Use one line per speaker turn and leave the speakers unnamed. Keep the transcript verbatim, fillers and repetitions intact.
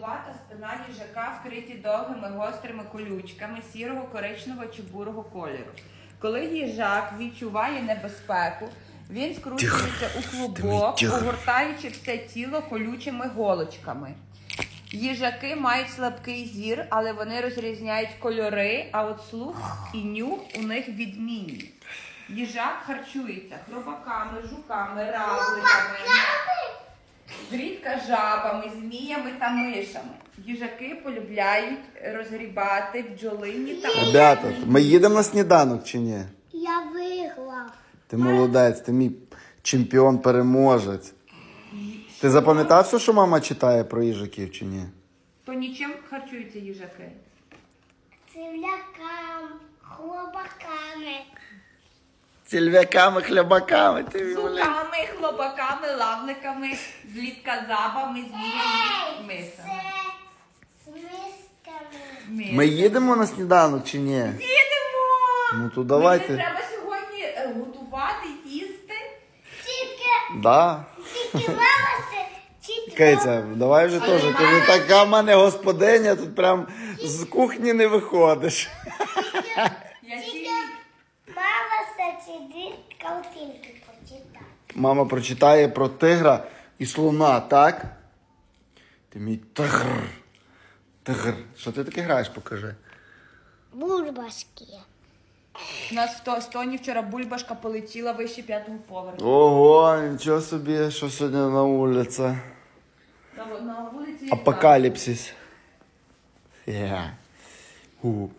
Довгувата спина їжака вкриті довгими гострими колючками сірого, коричневого чи бурого кольору. Коли їжак відчуває небезпеку, він скручується у клубок, огортаючи все тіло колючими голочками. Їжаки мають слабкий зір, але вони розрізняють кольори, а от слух і нюх у них відмінні. Їжак харчується хробаками, жуками, равликами, зрідка жабами, зміями та мишами. Їжаки полюбляють розгрібати бджолині та...
Ребята, ми їдемо на сніданок чи ні?
Я виграв.
Ти молодець, ти мій чемпіон-переможець. Ти запам'ятав все, що мама читає про їжаків чи ні?
То нічим харчуються їжаки?
Цивлякам, хлопаками.
Цільвяками, хлябаками. Ти
Жуками, хлопаками, лавликами, злітка жабами, зміями, мисами.
Це з мисками.
Мис.
Ми їдемо на сніданок чи ні?
Їдемо!
Ну то
Мені
давайте.
треба сьогодні е, готувати, їсти.
Тільки,
Да.
тільки мама це чітко.
Киця, давай вже теж. Ти не така в мене господиня, тут прям з кухні не виходиш.
Я
Тільки
сі...
мама це сидить, картинки почитає.
Мама прочитає про тигра і слона, так? Ти мій тигр. Тигр. Що ти таке граєш, покажи.
Бульбашки.
У нас в то- Тоні вчора бульбашка полетіла вище п'ятого поверху.
Ого, нічого собі, що сьогодні на вулиці.
На, на вулиці
Апокаліпсис. Yeah. У.